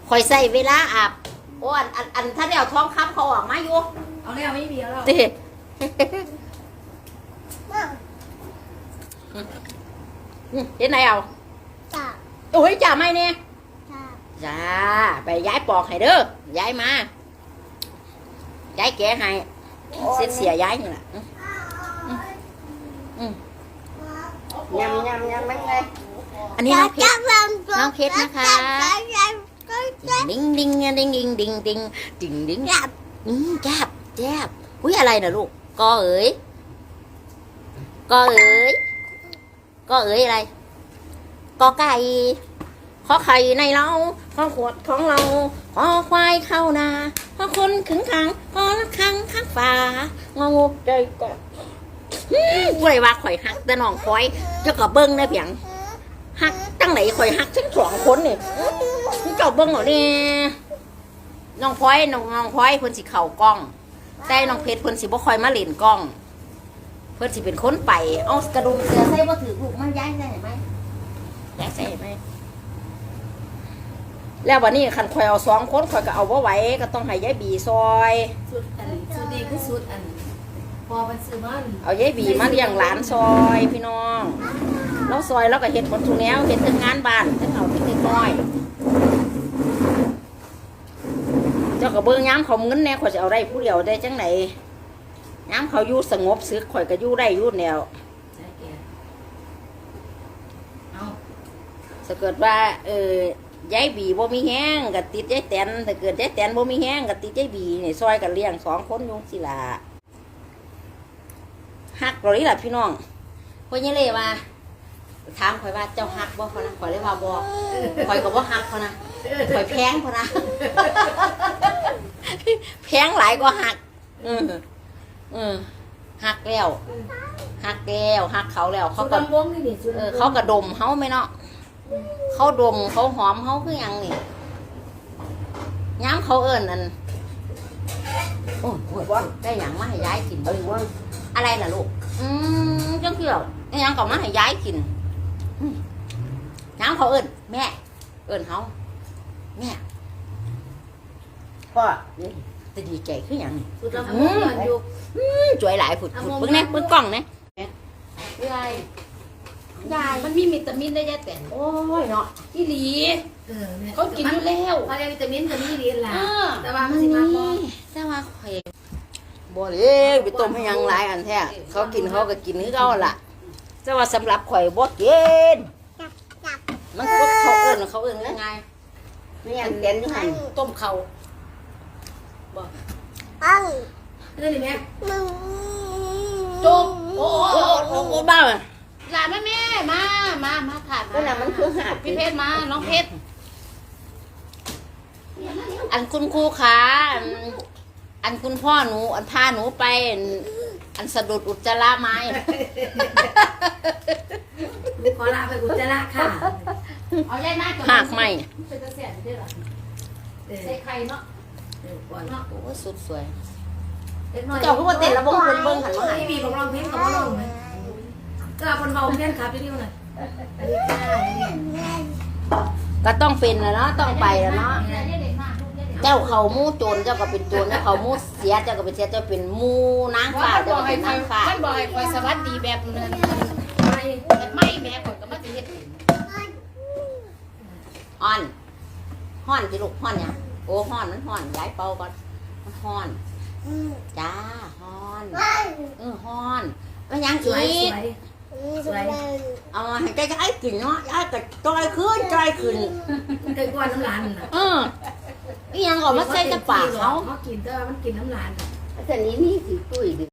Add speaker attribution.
Speaker 1: คอยใส่เวลาอาบโอ้อันถ้าเดี๋ยวท้องคำเขาออกมาอยู่
Speaker 2: เอาแล้วไม่มีแล้ว
Speaker 1: เห็นไหนเอา
Speaker 3: จ้า
Speaker 1: โอ้ยจ่าไม่เนี่ย
Speaker 3: จ้า
Speaker 1: จ้าไปย้ายปอกให้เด้อย้ายมาย้ายแกะให้เสียย้ายนี่แหละยำไม่ไงอันนี้น้องเพชรน้องเพชรนะคะดิ้งดิ้งดิ้งดิ้งดิ้งดิ้งดิ้งดิ้งจับอุ้ยอะไรนะลูกกอเอ๋ยอะไรกอไก่ขอไข่ในเราขอขวดของเราขอควายเข้านาขอคนขึงขังขอละคังข้างฝางองูใจกอไว้ว่าข่อยหักแต่น้องข่อยเจ้าก็เบิ้งได้เพียงหักตั้งไหนข่อยหักทั้งสองคนนี่เจ้าเบิ้งเหรอเนี่ยน้องพลอยเพิ่นสิเข่ากล้องแต่น้องเพชรเพิ่นสิบ่ค่อยมาเล่นกล้องเพิ่นสิเป็นคนไปเอากระดุมเสือใส่บ่ถือลูกมันย้ายใส่ไหมย้ายใส่ไหมแล้ววันนี้คันข่อยเอา2 คนข่อยก็เอาบ่ไหวก็ต้องให้ยายบีซอย
Speaker 2: สุดดีคือสุดอันพอมันซื้อมัน
Speaker 1: เอายายบีมาเลี้ยงหลานซอยพี่น้องเราซอยแล้วก็เฮ็ดหมดทุกแนวเฮ็ดทั้งงานบ้านทั้งเอาทั้งน้อยเจ้าก็เบิ่งย้ำเขาเงินแน่ข่อยจะเอาได้ผู้เดียวได้จังไหนย้ำเขาอยู่สงบซึกข่อยก็อยู่ได้อยู่แนวถ้าเกิดว่ายายบีบ่มีแห้งก็ติดยายแตนถ้าเกิดยายแตนบ่มีแห้งก็ติดยายบีนี่ซอยกันเลี้ยง2 คนยุงสิล่ะฮักเรานี่แหละพี่น้องพ่อเนี่ยเลยว่าถามข่อยว่าเจ้าฮักบ่พอนะข่อยเลยว่าบ่ข่อยก็บ่ฮักพอนะข่อยแพงพอนะแพงหลายกว่าฮักฮักแล้วฮักเขาแล้วเขาก็เขากระดมเฮาไหมเนาะเขาดมเขาหอมเขาคือยังนี่ย้ำเขาเอิญอันโอ้ยได้หยังมาให้ย้ายกินอะไรล่ะลูกจังเกี่ยวได้หยังก็มาให้ย้ายกินย้ำเขาเอิญแม่เอิญเขาแม่พ่อจะดีใจคือยังจ่วยหลายผุดเพิ่งเนี่ยเพิ่งกล้องเนี่ยยายมันมีวิตามินได้ยายแต่โอ้ยเนาะที่หลีเขากินอยู่แล้ว
Speaker 2: พอเรียนวิตามินจะมีดีล่ะแต่ว่ามันสิมาบ่
Speaker 1: แต่ว่าข่อยบ่เลยไปต้มให้ยังหลายอันแท้เขากินเขาก็กินคือเขาล่ะแต่ว่าสำหรับข่อยบ่กินมันก็เขาเอิ้นยังไงนี่อันเด่นอยู่หั่นต้มเขาบ่
Speaker 2: นั่นนี่แม่
Speaker 1: โจ๊กโอ้บ้า
Speaker 4: หลานแม่มาค่ะ
Speaker 1: ก็น่ะมันคือหาด
Speaker 4: พี่เพชรมาน้องเพชร
Speaker 1: อันคุณครูขาอันคุณพ่อหนูอันพาหนูไปอันสะดุดอุจจาระไม้
Speaker 2: ขอลาไปอุจจาระค่ะ
Speaker 4: เอาแยกหน้าก่อน
Speaker 1: หักไม่
Speaker 4: เป็นตะเสียนได้หรอใส่ไข่เนาะ
Speaker 1: โอ้สุดสวย
Speaker 2: เจ้าก็ว่าเต้นระบบคนเบิ้งหันมาให้มีของร้องเพลงกับร้องไหมก็คนเบาเพื่อนครับที่นี่มัน
Speaker 1: ก็ต้องเป็นแล้วเนาะต้องไปแล้วเนาะเจ้าเขามู่โจรเจ้าก็เป็นโจรเจ้าเขามู่เสียเจ้าก็เป็นเสียเจ้าเป็นมู่นางฟ้าเจ้าก็เป็นนางฟ้า
Speaker 4: ท่านบอกให้คอยสวัสดีแบบนั้นไม่แม่ผมก็มาจะเฮ็ด
Speaker 1: ฮ้อนสิลูกฮ้อนเนี่ยโอ้ฮ้อนมันฮ้อนย้ายเป่าก่อนมันฮ้อนจ้าฮ้อนฮ้อนแล้วยังอีกเอาให้ใจย้ายกินเนาะย้ายก็จอยขึ้น
Speaker 2: เคยกวนน้ำลานน่ะ
Speaker 1: นี่ยังก็มาใส่กระป๋าเขา
Speaker 2: กินแต่มันกินน้ำลาน
Speaker 1: แต่นี้นี่สิตุ้ย